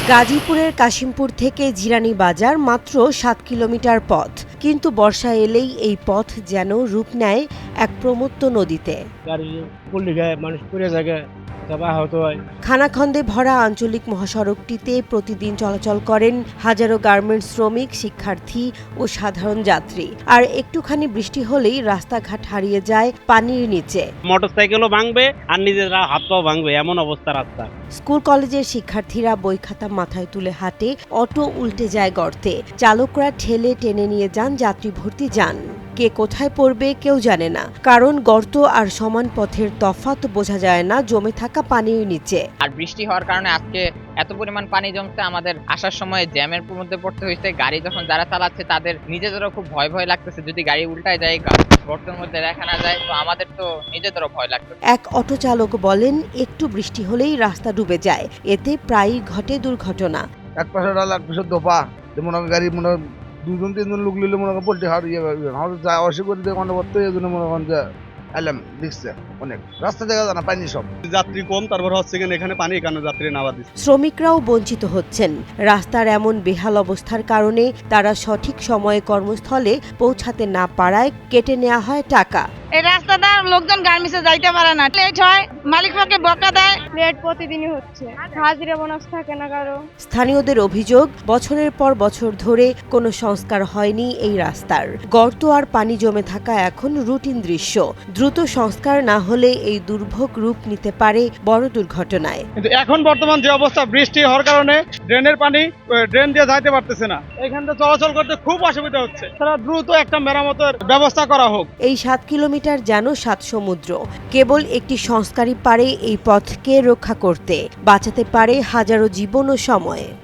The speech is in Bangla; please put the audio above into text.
গাজীপুরের কাশিমপুর থেকে জিরানী বাজার মাত্র ৭ কিলোমিটার পথ, কিন্তু বর্ষা এলেই এই পথ যেন রূপ নেয় এক প্রমত্ত নদীতে। গাড়ি পল্লি গায়ে মানুষ পড়ে যায়, সব আহত হয়। খানাখন্দে ভরা আঞ্চলিক মহাসড়কটিতে প্রতিদিন চলাচল করেন হাজারো গার্মেন্টস শ্রমিক, শিক্ষার্থী ও সাধারণ যাত্রী। আর একটুখানি বৃষ্টি হলেই রাস্তাঘাট হারিয়ে যায় পানির নিচে। মোটরসাইকেলও ভাঙবে আর নিজেরা হাত পাও ভাঙবে, এমন অবস্থা রাস্তা। স্কুল কলেজের শিক্ষার্থীরা বই খাতা মাথায় তুলে হাঁটে, অটো উল্টে যায় গর্তে, চালকরা ঠেলে টেনে নিয়ে যান যাত্রী ভর্তি যান। কে কোথায় পড়বে কেউ জানে না, কারণ গর্ত আর সমান পথের তফাৎ বোঝা যায় না জমে থাকা পানির নিচে। আর বৃষ্টি হওয়ার কারণে আজকে এত পরিমাণ পানি জমছে, আমাদের আসার সময় জ্যামের মধ্যে পড়তে হয়েছে। গাড়ি যখন যারা চালাচ্ছে তাদের নিজেদেরও খুব ভয় ভয় লাগতেছে, যদি গাড়ি উল্টায় যায়, গর্তের মধ্যে দেখা না যায়, তো আমাদের তো নিজেদেরও ভয় লাগতেছে। এক অটো চালক বলেন, একটু বৃষ্টি হলেই রাস্তা ডুবে যায়, এতে প্রায়ই ঘটে দুর্ঘটনা। এক পাশে ডাল এক পাশে দোপা, মনে হয় গাড়ি মনে হয় দুজন তিনজন লোক নিলে মনে হয় পোল্ট্রি হারিয়ে যাবে, যা অসুবিধা দিয়ে মনে করতে এই জন্য মনে করেন যে এলাম দেখছে অনেক রাস্তা দেখা যায় না, পানি সব যাত্রী কম, তারপর হচ্ছে এখানে পানি কেন যাত্রী নামা দিচ্ছে। শ্রমিকরাও বঞ্চিত হচ্ছেন। রাস্তার এমন বেহাল অবস্থার কারণে তারা সঠিক সময়ে কর্মস্থলে পৌঁছাতে না পারায় কেটে নেওয়া হয় টাকা। এই রাস্তাটা লোকজন গার্মেন্টসে যাইতে পারে না, লেট হয়, মালিক পক্ষে বকা দেয়। লেট প্রতিদিনই হচ্ছে, হাজিরা বোনাস থাকে না কারো। স্থানীয়দের অভিযোগ, বছরের পর বছর ধরে কোনো সংস্কার হয়নি এই রাস্তার। গর্ত আর পানি জমে থাকা এখন রুটিন দৃশ্য। দ্রুত সংস্কার না হলে এই দুর্ভোগ রূপ নিতে পারে বড় দুর্ঘটনায়। কিন্তু এখন বর্তমান যে অবস্থা, বৃষ্টি হওয়ার কারণে ড্রেনের পানি ড্রেন দিয়ে যাইতে পারতেছে না, এখান থেকে চলাচল করতে খুব অসুবিধা হচ্ছে। তারা দ্রুত একটা মেরামতের ব্যবস্থা করা হোক। এই ৭ কিলোমিটার যেন ৭ সমুদ্র। কেবল একটি সংস্কারই পারে এই পথকে রক্ষা করতে, বাঁচাতে পারে হাজারো জীবন ও সময়।